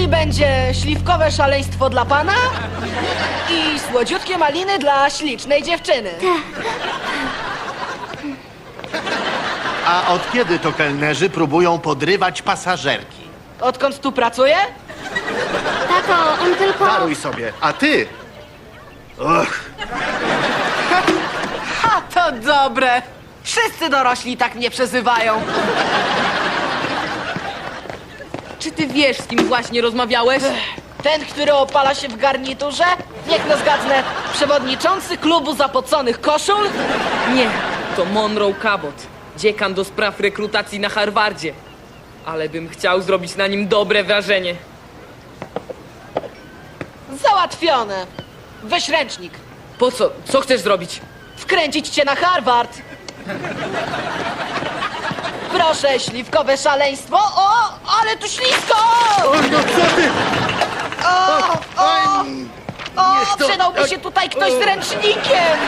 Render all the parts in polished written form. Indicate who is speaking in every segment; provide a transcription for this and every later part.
Speaker 1: Czyli będzie śliwkowe szaleństwo dla pana i słodziutkie maliny dla ślicznej dziewczyny.
Speaker 2: A od kiedy to kelnerzy próbują podrywać pasażerki?
Speaker 1: Odkąd tu pracuję?
Speaker 3: Tato, on tylko...
Speaker 2: Daruj sobie, a ty? Och,
Speaker 1: Ha, to dobre. Wszyscy dorośli tak mnie przezywają.
Speaker 4: Czy ty wiesz, z kim właśnie rozmawiałeś?
Speaker 1: Ten, który opala się w garniturze? Niech no zgadnę, przewodniczący klubu zapoconych koszul?
Speaker 4: Nie, to Monroe Cabot, dziekan do spraw rekrutacji na Harvardzie. Ale bym chciał zrobić na nim dobre wrażenie.
Speaker 1: Załatwione. Weź ręcznik.
Speaker 4: Po co? Co chcesz zrobić?
Speaker 1: Wkręcić cię na Harvard. Proszę, śliwkowe szaleństwo. O, ale tu ślisko!
Speaker 2: oj, no co ty?
Speaker 1: O, przydałby się tutaj ktoś z ręcznikiem.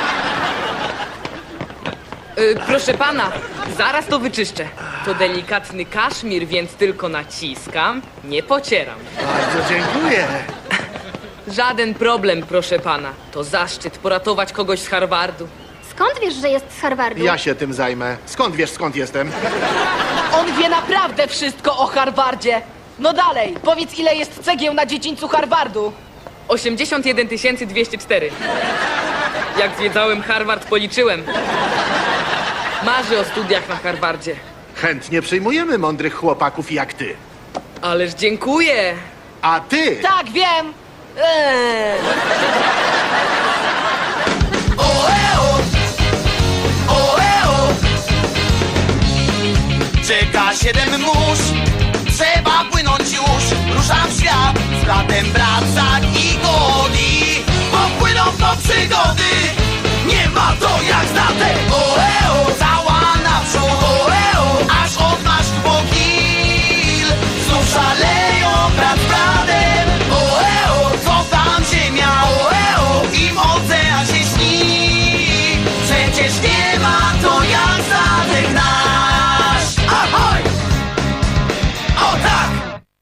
Speaker 4: Proszę pana, zaraz to wyczyszczę. To delikatny kaszmir, więc tylko naciskam, nie pocieram.
Speaker 2: Bardzo dziękuję.
Speaker 4: Żaden problem, proszę pana. To zaszczyt poratować kogoś z Harvardu.
Speaker 3: Skąd wiesz, że jest z Harvardu?
Speaker 2: Ja się tym zajmę. Skąd wiesz, skąd jestem?
Speaker 1: On wie naprawdę wszystko o Harvardzie. No dalej, powiedz, ile jest cegieł na dziedzińcu Harvardu.
Speaker 4: 81 204. Jak zwiedzałem Harvard, policzyłem. Marzę o studiach na Harvardzie.
Speaker 2: Chętnie przyjmujemy mądrych chłopaków jak ty.
Speaker 4: Ależ dziękuję.
Speaker 2: A ty?
Speaker 1: Tak, wiem.
Speaker 5: Czeka 7 mórz, trzeba płynąć już. Ruszam w świat z bratem Bracak i Godi. Popłyną po przygody, nie ma to jak znate. Oeo, cała naprzód, oeo, aż odmasz po kil. Znów szaleją brat z bratem, oeo, co tam ziemia, oeo, im ocean się śni. Przecież nie ma to jak statek nasz. Ahoj! O tak!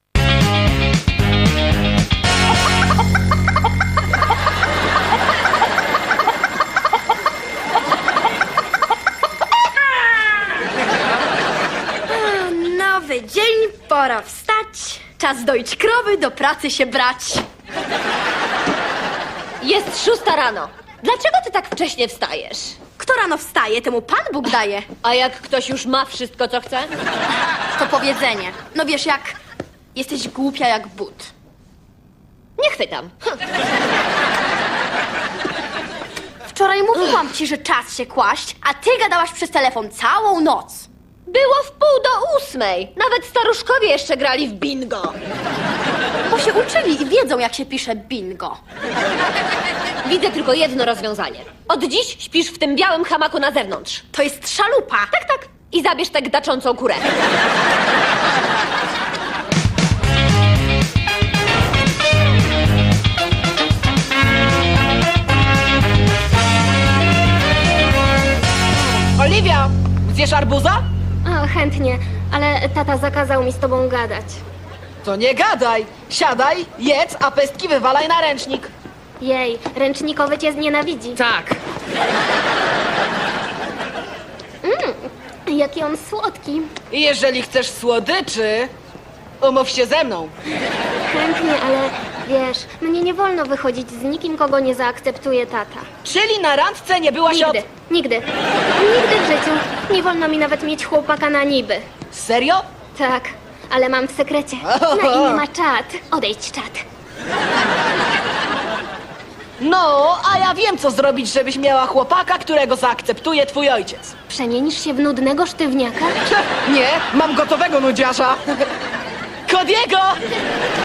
Speaker 3: Nowy dzień, pora wstać. Czas doić krowy, do pracy się brać.
Speaker 6: Jest 6 rano. Dlaczego ty tak wcześnie wstajesz?
Speaker 3: Kto rano wstaje, temu Pan Bóg daje.
Speaker 6: A jak ktoś już ma wszystko, co chce?
Speaker 3: To powiedzenie. No wiesz, jak jesteś głupia jak but.
Speaker 6: Nie chwytam.
Speaker 3: Wczoraj mówiłam ci, że czas się kłaść, a ty gadałaś przez telefon całą noc.
Speaker 6: Było w 7:30. Nawet staruszkowie jeszcze grali w bingo.
Speaker 3: Bo się uczyli i wiedzą, jak się pisze bingo.
Speaker 6: Widzę tylko jedno rozwiązanie. Od dziś śpisz w tym białym hamaku na zewnątrz.
Speaker 3: To jest szalupa.
Speaker 6: Tak. I zabierz tę gdaczącą kurę.
Speaker 1: Oliwia, zjesz arbuza?
Speaker 3: O, chętnie, ale tata zakazał mi z tobą gadać.
Speaker 1: To nie gadaj. Siadaj, jedz, a pestki wywalaj na ręcznik.
Speaker 3: Jej, ręcznikowy cię znienawidzi.
Speaker 4: Tak,
Speaker 3: Jaki on słodki.
Speaker 1: I jeżeli chcesz słodyczy, umów się ze mną.
Speaker 3: Chętnie, ale wiesz, mnie nie wolno wychodzić z nikim, kogo nie zaakceptuje tata.
Speaker 1: Czyli na randce nie byłaś od...
Speaker 3: Nigdy w życiu. Nie wolno mi nawet mieć chłopaka na niby.
Speaker 1: Serio?
Speaker 3: Tak, ale mam w sekrecie. Na imię ma czat. Odejdź, czat.
Speaker 1: No, a ja wiem, co zrobić, żebyś miała chłopaka, którego zaakceptuje twój ojciec.
Speaker 3: Przemienisz się w nudnego sztywniaka?
Speaker 1: Nie, mam gotowego nudziarza. Kodiego!